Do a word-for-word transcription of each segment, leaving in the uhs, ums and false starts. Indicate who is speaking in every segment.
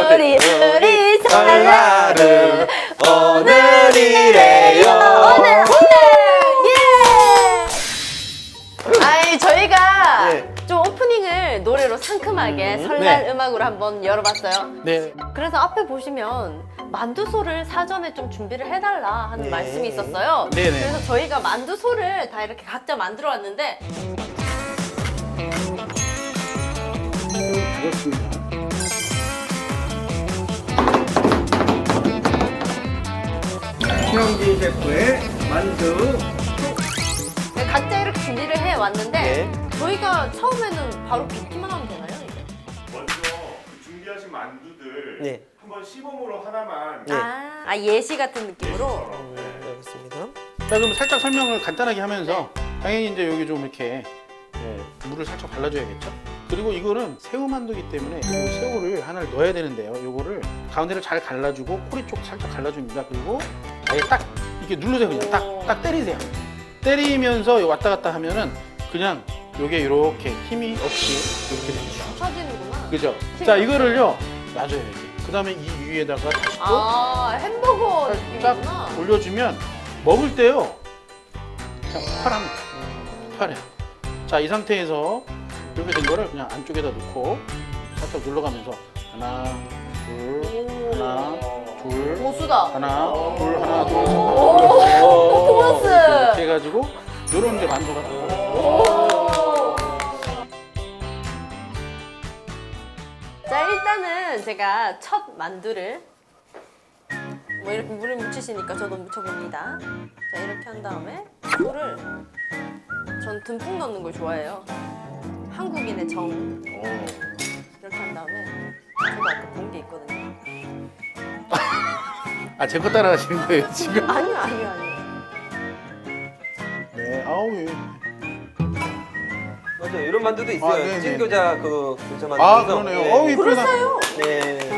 Speaker 1: 우리 둘이 설날은 오늘이래요. 오늘 오늘 예. 아이 저희가
Speaker 2: 네.
Speaker 1: 좀 오프닝을 노래로 상큼하게
Speaker 2: 음,
Speaker 1: 설날
Speaker 2: 네.
Speaker 1: 음악으로 한번 열어봤어요.
Speaker 2: 네.
Speaker 1: 그래서 앞에 보시면 만두소를 사전에 좀 준비를 해달라 하는
Speaker 2: 네.
Speaker 1: 말씀이 있었어요.
Speaker 2: 네네.
Speaker 1: 그래서 저희가 만두소를 다 이렇게 각자 만들어 왔는데
Speaker 2: 그렇습니다.
Speaker 3: 신영진 셰프의 만두.
Speaker 1: 각자 이렇게 준비를 해 왔는데
Speaker 2: 네.
Speaker 1: 저희가 처음에는 바로 빚기만 하면 되나요? 이제?
Speaker 4: 먼저 그 준비하신 만두들
Speaker 2: 네.
Speaker 4: 한번 시범으로 하나만
Speaker 2: 네.
Speaker 1: 아, 아 예시 같은 느낌으로.
Speaker 4: 예시처럼, 네.
Speaker 2: 네, 알겠습니다.
Speaker 3: 자, 그럼 살짝 설명을 간단하게 하면서 당연히 이제 여기 좀 이렇게 예, 물을 살짝 발라줘야겠죠. 그리고 이거는 새우 만두기 때문에 이 새우를 하나를 넣어야 되는데요. 이거를 가운데를 잘 갈라주고 꼬리 쪽 살짝 갈라줍니다. 그리고 아예 딱 이렇게 누르세요. 그냥 딱, 딱 때리세요. 때리면서 왔다 갔다 하면은 그냥 요게 이렇게 힘이 없이 이렇게 되죠.
Speaker 1: 쳐지는구나.
Speaker 3: 그죠? 자, 이거를요 놔줘야지. 그 다음에 이 위에다가 다시 또
Speaker 1: 아 햄버거
Speaker 3: 딱
Speaker 1: 이구나.
Speaker 3: 올려주면 먹을 때요 그냥 파랍니다. 파래. 자, 이 상태에서 이렇게 된 거를 그냥 안쪽에다 넣고 살짝 눌러가면서 하나, 둘, 하나, 둘,
Speaker 1: 고수다.
Speaker 3: 하나, 둘, 하나, 둘,
Speaker 1: 오, 퍼포먼스.
Speaker 3: 이렇게 해가지고 요런 데 만두가 나와요.
Speaker 1: 오. 자 일단은 제가 첫 만두를 뭐 이렇게 물을 묻히시니까 저도 묻혀봅니다. 자 이렇게 한 다음에 물을 전 듬뿍 넣는 걸 좋아해요. 한국인의 정. 이렇게 한 다음에 저도 아까 본 게 있거든요.
Speaker 3: 아, 제 거 따라하시는 거예요 지금?
Speaker 1: 아니요 아니요 아니요.
Speaker 3: 네, 아우 예.
Speaker 2: 맞아요. 이런 만두도 있어요.
Speaker 3: 아, 네네.
Speaker 2: 찐교자 그 교자 만두.
Speaker 3: 아, 그러네요. 어우, 이쁘다.
Speaker 1: 그랬어요.
Speaker 2: 네.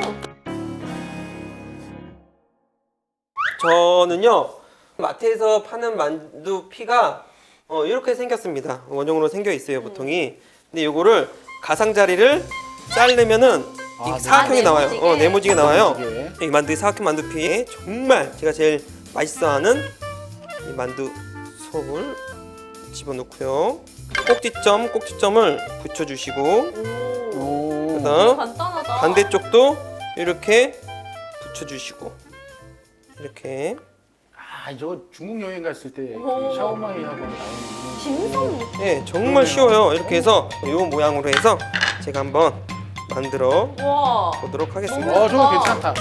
Speaker 2: 저는요 마트에서 파는 만두 피가 어, 이렇게 생겼습니다. 원형으로 생겨 있어요 보통이. 근데 요거를 가상자리를 자르면은
Speaker 3: 아,
Speaker 2: 이 사각형이
Speaker 1: 아,
Speaker 2: 나와요.
Speaker 1: 네모지게.
Speaker 2: 어, 네모지게 나와요.
Speaker 3: 네모지게.
Speaker 2: 이 만두 사각형 만두 피에 정말 제가 제일 맛있어하는 이 만두 속을 집어넣고요. 꼭지점 꼭지점을 붙여주시고
Speaker 1: 오.
Speaker 3: 오.
Speaker 2: 그다음
Speaker 1: 간단하다.
Speaker 2: 반대쪽도 이렇게 붙여주시고 이렇게.
Speaker 3: 아, 저거 중국 여행 갔을 때
Speaker 1: 오.
Speaker 3: 그 샤오마이하고 나오는
Speaker 1: dimsum.
Speaker 2: 예, 정말 쉬워요. 이렇게 해서 이 모양으로 해서 제가 한번 만들어
Speaker 1: 와.
Speaker 2: 보도록 하겠습니다.
Speaker 3: 어, 저거 괜찮다.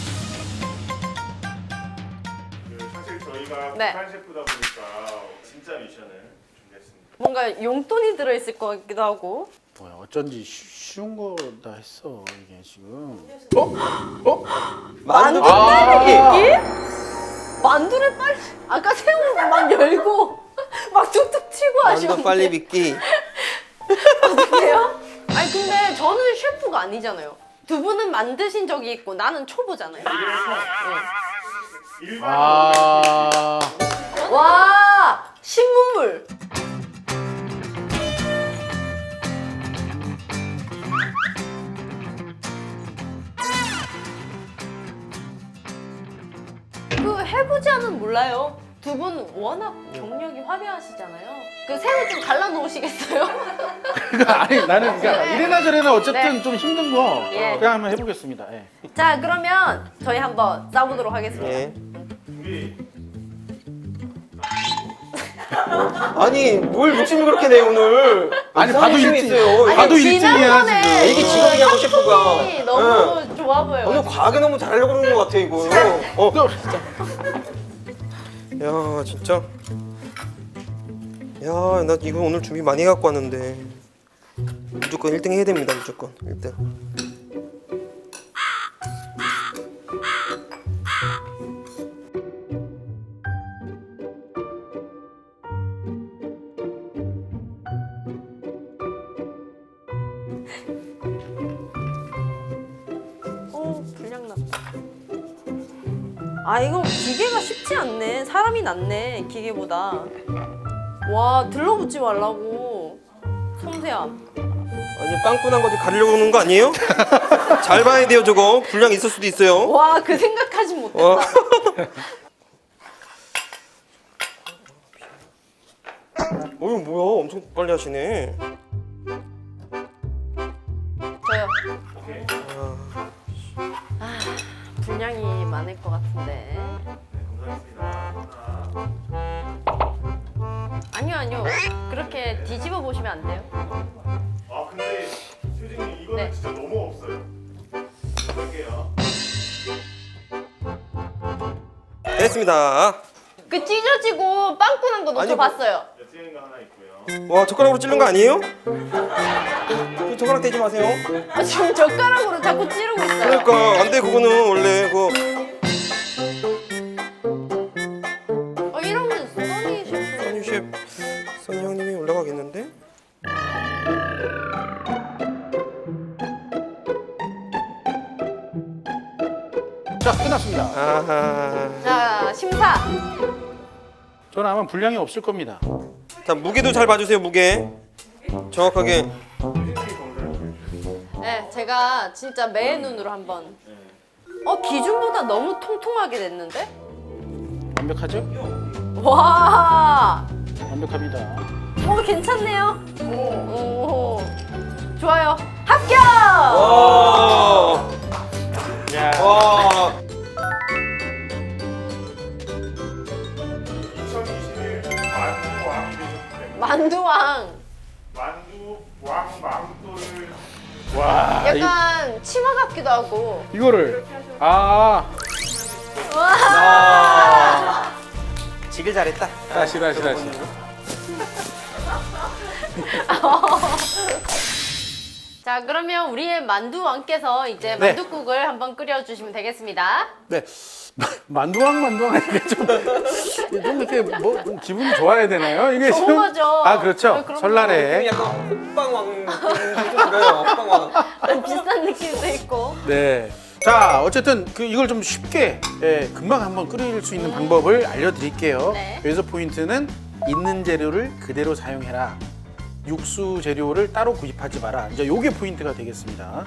Speaker 4: 그 사실 저희가
Speaker 1: 네.
Speaker 4: 북한 셰프다 보니까 진짜 미션을 준비했습니다.
Speaker 1: 뭔가 용돈이 들어있을 것 같기도 하고.
Speaker 3: 뭐야, 어쩐지 쉬- 쉬운 거다 했어 이게 지금. 어? 어?
Speaker 2: 만두
Speaker 3: 아.
Speaker 2: 기
Speaker 1: 만두를 빨리 아까 새우 막 열고 막 툭툭 치고
Speaker 2: 만두
Speaker 1: 하시는데
Speaker 2: 빨리 빚기.
Speaker 1: 어떡해요? 아니 근데 저는 셰프가 아니잖아요. 두 분은 만드신 적이 있고 나는 초보잖아요. 네.
Speaker 4: 일반
Speaker 3: 아.
Speaker 1: 와 신문물. 그 해보지 않은 몰라요. 두 분 워낙 경력이 화려하시잖아요. 그 새우 좀 갈라 놓으시겠어요?
Speaker 3: 그러니까 아니 나는 그러니까
Speaker 1: 네.
Speaker 3: 이래나 저래나 어쨌든
Speaker 1: 네.
Speaker 3: 좀 힘든 거
Speaker 1: 예.
Speaker 3: 그냥 한번 해보겠습니다. 예.
Speaker 1: 자 그러면 저희 한번 싸보도록 하겠습니다.
Speaker 2: 예.
Speaker 4: 준비.
Speaker 2: 아니 뭘 욕심을 그렇게 내 오늘.
Speaker 3: 아니,
Speaker 2: 이상한
Speaker 3: 봐도
Speaker 2: 욕심이
Speaker 3: 일찍.
Speaker 2: 있어요.
Speaker 3: 아니, 봐도 일찍이야,
Speaker 1: 지난번에
Speaker 3: 지금.
Speaker 2: 이게 지각이냐고 셰프가.
Speaker 1: 이 너무 좋아 보여요.
Speaker 2: 오늘 과하게 너무 잘하려고 그러는 것 같아 이거. 어.
Speaker 3: 또
Speaker 2: 야 진짜. 야 나 이거 오늘 준비 많이 갖고 왔는데 무조건 일 등 해야 됩니다. 무조건 일 등.
Speaker 1: 오 불량 났다. 아 이거 기계가 쉽지 않네. 사람이 낫네 기계보다. 와 들러붙지 말라고. 섬세함.
Speaker 2: 아니 빵꾸난 거지 가리려고 그러는 거 아니에요? 잘 봐야 돼요 저거. 분량 있을 수도 있어요.
Speaker 1: 와, 그 생각하지 못했다.
Speaker 2: 어. 어이 뭐야 엄청 빨리 하시네.
Speaker 1: 저요.
Speaker 4: 오케이.
Speaker 1: 아, 분량이 많을 것 같은데.
Speaker 4: 감사합니다.
Speaker 1: 아니요, 아니요. 그렇게 뒤집어 보시면 안 돼요.
Speaker 4: 아 근데 효진님 이거는
Speaker 1: 네.
Speaker 4: 진짜 너무 없어요. 볼게요.
Speaker 2: 됐습니다.
Speaker 1: 그 찢어지고 빵꾸 난 거
Speaker 2: 아니,
Speaker 1: 저
Speaker 2: 뭐-
Speaker 1: 봤어요.
Speaker 4: 찌는 거 하나 있고요.
Speaker 2: 와 젓가락으로 찌른 거 아니에요? 그 젓가락 대지 마세요.
Speaker 1: 아, 지금 젓가락으로 자꾸 찌르고 있어요.
Speaker 2: 그러니까 안 돼 그거는 원래 그
Speaker 1: 어, 이러면 써니 셰프.
Speaker 2: 써니 셰프 써니 형님이 올라가겠는데?
Speaker 3: 자, 끝났습니다.
Speaker 2: 아하.
Speaker 1: 자, 심사.
Speaker 3: 저는 아마 분량이 없을 겁니다.
Speaker 2: 자 무게도 잘 봐주세요 무게. 정확하게.
Speaker 1: 네, 제가 진짜 매의 눈으로 한번. 어, 기준보다 너무 통통하게 됐는데?
Speaker 3: 완벽하죠?
Speaker 1: 와,
Speaker 3: 완벽합니다.
Speaker 1: 어, 괜찮네요. 오, 좋아요. 합격!
Speaker 2: 와.
Speaker 3: 야.
Speaker 2: 와.
Speaker 4: 이천이십일 만두 왕이 되셨기 때문에
Speaker 1: 만두왕.
Speaker 4: 만두 왕 망토를
Speaker 3: 와. 이,
Speaker 1: 약간 치마 같기도 하고.
Speaker 3: 이거를 아,
Speaker 2: 아. 지길 잘했다.
Speaker 3: 다시 다시 다시.
Speaker 1: 자, 그러면 우리의 만두왕께서 이제
Speaker 3: 네.
Speaker 1: 만두국을 한번 끓여주시면 되겠습니다.
Speaker 3: 네. 만두왕 만두왕 이게 좀, 좀 이렇게 뭐 기분이 좋아야 되나요? 이게
Speaker 1: 좋은
Speaker 3: 좀-
Speaker 1: 거죠.
Speaker 3: 아 그렇죠.
Speaker 1: 네, 그럼요.
Speaker 3: 설날에.
Speaker 2: 약간 호빵왕 느낌이 좀 들어요. 호빵왕.
Speaker 1: 비싼 느낌도 있고.
Speaker 3: 네. 자, 어쨌든 그 이걸 좀 쉽게 예, 금방 한번 끓일 수 있는 방법을 알려드릴게요.
Speaker 1: 네.
Speaker 3: 여기서 포인트는 있는 재료를 그대로 사용해라. 육수 재료를 따로 구입하지 마라. 이제 요게 포인트가 되겠습니다.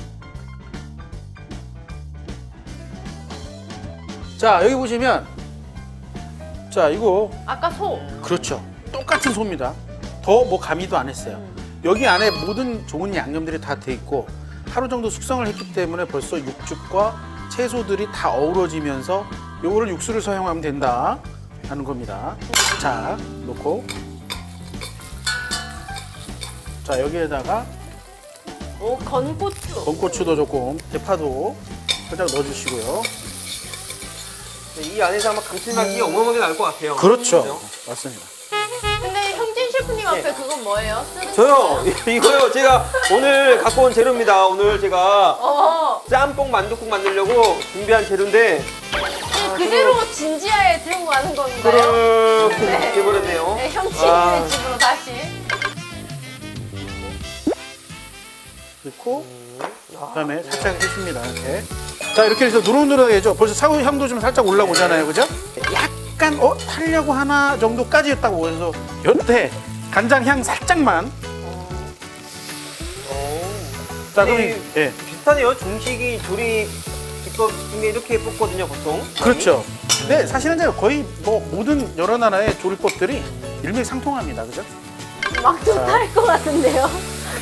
Speaker 3: 자, 여기 보시면 자, 이거
Speaker 1: 아까 소.
Speaker 3: 그렇죠. 똑같은 소입니다. 더 뭐 가미도 안 했어요. 여기 안에 모든 좋은 양념들이 다 돼 있고 하루 정도 숙성을 했기 때문에 벌써 육즙과 채소들이 다 어우러지면서 요거를 육수를 사용하면 된다 하는 겁니다. 자, 놓고 자, 여기에다가
Speaker 1: 오, 건고추.
Speaker 3: 건고추도 조금, 대파도 살짝 넣어주시고요.
Speaker 2: 이 안에서 아마 감칠맛이 어마어마하게 날 것 같아요.
Speaker 3: 그렇죠. 맞습니다.
Speaker 1: 근데 형진 셰프님 앞에 그건 뭐예요? 쓰는
Speaker 2: 저요 이거요 제가 오늘 갖고 온 재료입니다. 오늘 제가
Speaker 1: 어,
Speaker 2: 짬뽕 만둣국 만들려고 준비한 재료인데
Speaker 1: 그대로 진지하에 들고 가는 건가요?
Speaker 2: 그렇게
Speaker 1: 네.
Speaker 2: 해버렸네요.
Speaker 1: 네, 형진의
Speaker 2: 아.
Speaker 1: 집으로 다시.
Speaker 3: 넣고 그다음에 살짝 해줍니다. 이렇게. 자, 이렇게 해서 노릇노릇해져. 벌써 사구 향도 좀 살짝 올라오잖아요, 그죠? 약간 어 타려고 하나 정도까지 했다고 해서 여태 간장 향 살짝만. 자, 그럼
Speaker 2: 네.
Speaker 3: 예,
Speaker 2: 비슷하네요. 중식이 조리 기법 중에 이렇게 뽑거든요 보통.
Speaker 3: 그렇죠. 네, 사실은 이제 거의 뭐 모든 여러 나라의 조리법들이 일맥상통합니다, 그죠?
Speaker 1: 막좀탈 것 같은데요?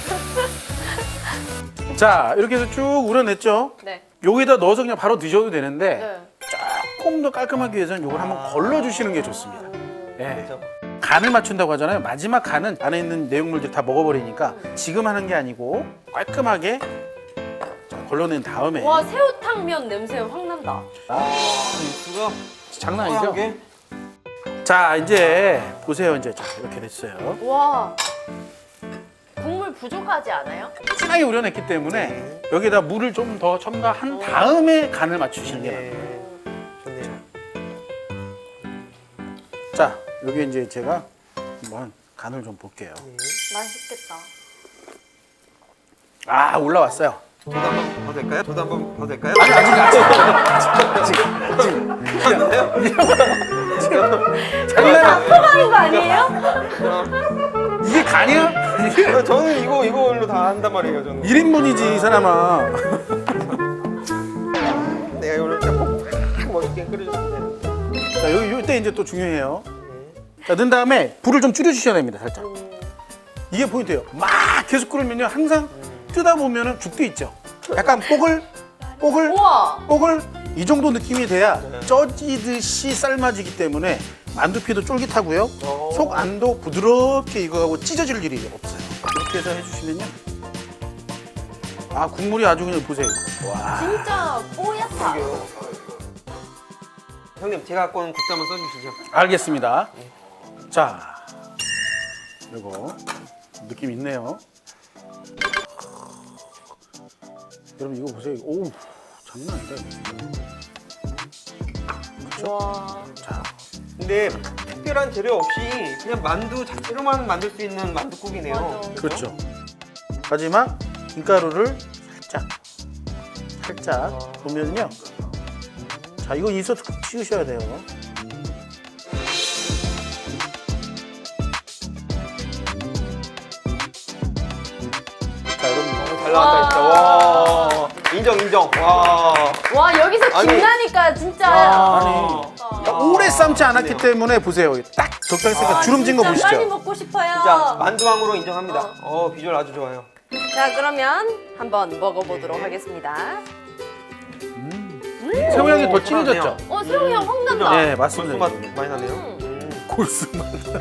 Speaker 3: 자, 이렇게 해서 쭉 우려냈죠.
Speaker 1: 네.
Speaker 3: 여기다 넣어서 그냥 바로 드셔도 되는데
Speaker 1: 네.
Speaker 3: 조금 더 깔끔하기 위해서는 이걸 한번 걸러주시는 게 좋습니다. 예.
Speaker 2: 그렇죠.
Speaker 3: 간을 맞춘다고 하잖아요. 마지막 간은 안에 있는 내용물들 다 먹어버리니까 지금 하는 게 아니고 깔끔하게 자, 걸러낸 다음에
Speaker 1: 와, 새우탕면 냄새 확 난다.
Speaker 2: 육수가
Speaker 3: 장난
Speaker 2: 뽀얀
Speaker 3: 아니죠?
Speaker 2: 게.
Speaker 3: 자, 이제 보세요. 이제 자, 이렇게 됐어요.
Speaker 1: 와, 국물 부족하지 않아요?
Speaker 3: 진하게 우려냈기 때문에 여기다 물을 좀 더 첨가한 다음에 간을 맞추시는 게 나아요.
Speaker 2: 네. 좋네요.
Speaker 3: 자, 여기 이제 제가 한번 간을 좀 볼게요.
Speaker 1: 맛있겠다.
Speaker 3: 아, 올라왔어요.
Speaker 2: 저도 한번 봐도 될까요? 저도 한번 봐도 될까요?
Speaker 3: 아니, 아직 아직 아직
Speaker 2: 맞나요?
Speaker 3: 장난
Speaker 1: 납품하는 거 아니에요?
Speaker 3: 이게 가냐?
Speaker 2: 아, 저는 이거 이걸로 다 한단 말이에요. 저는.
Speaker 3: 일 인분이지 이 사람아.
Speaker 2: 내가 이거를 진짜 꼭 멋있게 끓여주시면 되는데.
Speaker 3: 자 여기 이때 이제 또 중요해요. 자 넣은 다음에 불을 좀 줄여주셔야 됩니다. 살짝. 이게 포인트예요. 막 계속 끓으면요 항상 뜨다 보면은 죽도 있죠. 약간 뽀글 뽀글
Speaker 1: 우와.
Speaker 3: 뽀글 이 정도 느낌이 돼야 쪄지듯이 삶아지기 때문에 만두피도 쫄깃하고요.
Speaker 2: 오.
Speaker 3: 속 안도 부드럽게 익어가고 찢어질 일이 없어요. 이렇게 해서 해주시면요. 아 국물이 아주 그냥 보세요. 와.
Speaker 1: 진짜 뽀얗다.
Speaker 2: 형님 제가 갖고 온 국자 한번 써주시죠.
Speaker 3: 알겠습니다. 자, 이거 느낌 있네요. 여러분 이거 보세요. 오, 장난 아니다. 이거.
Speaker 1: 와.
Speaker 3: 자,
Speaker 2: 근데 특별한 재료 없이 그냥 만두 자체로만 만들 수 있는 만두국이네요.
Speaker 1: 맞아.
Speaker 3: 그렇죠. 마지막 김가루를 살짝, 살짝 보면요. 자, 이거 인서트 꼭 치우셔야 돼요. 자, 여러분.
Speaker 2: 잘 나왔다 진짜. 와 인정 인정. 와.
Speaker 1: 와 여기서
Speaker 2: 아니.
Speaker 1: 김나니까 진짜.
Speaker 2: 와.
Speaker 3: 아니, 오래 삶지 않았기 때문에 보세요. 딱 적당히 쓰니까
Speaker 1: 아,
Speaker 3: 주름진 거
Speaker 1: 진짜
Speaker 3: 보시죠?
Speaker 1: 빨리 먹고 싶어요.
Speaker 2: 진짜 만두왕으로 인정합니다. 어 비주얼 아주 좋아요.
Speaker 1: 자 그러면 한번 먹어보도록 하겠습니다.
Speaker 3: 새우 향이 더
Speaker 2: 오,
Speaker 3: 진해졌죠?
Speaker 1: 어 새우 향 확 난다.
Speaker 3: 네, 맞습니다.
Speaker 2: 골수 맛 많이 나네요.
Speaker 1: 음.
Speaker 2: 음.
Speaker 3: 골수맛.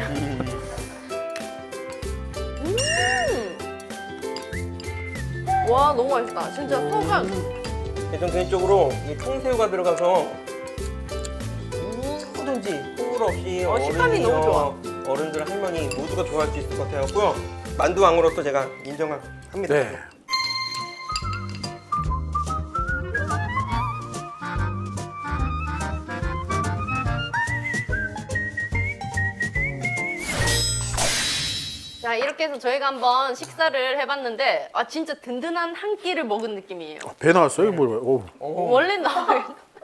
Speaker 1: 와 너무 맛있다. 진짜 소감.
Speaker 2: 전 개인적으로 이 통새우가 들어가서 누구든지 호불 없이
Speaker 1: 어, 식감이
Speaker 2: 어른이요,
Speaker 1: 너무 좋아.
Speaker 2: 어른들 할머니 모두가 좋아할 수 있을 것 같아요. 만두왕으로서 제가 인정합니다.
Speaker 3: 네.
Speaker 1: 자 이렇게 해서 저희가 한번 식사를 해봤는데 아 진짜 든든한 한 끼를 먹은 느낌이에요.
Speaker 3: 배 나왔어요? 뭘? 오.
Speaker 1: 원래 나와요.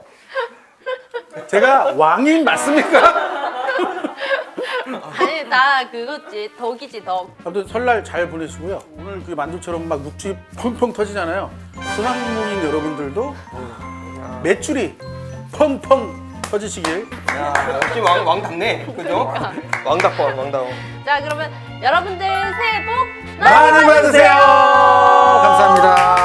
Speaker 3: 제가 왕인 맞습니까?
Speaker 1: 아니 다 그거지 덕이지 덕.
Speaker 3: 아무튼 설날 잘 보내시고요. 오늘 그 만두처럼 막 육즙 펑펑 터지잖아요. 소상공인 여러분들도 매출이 펑펑 터지시길.
Speaker 2: 야, 역시 왕, 왕답네. 그죠? 왕답권, 왕다워.
Speaker 1: 자 그러면 여러분들 새해 복
Speaker 3: 많이 받으세요. 감사합니다.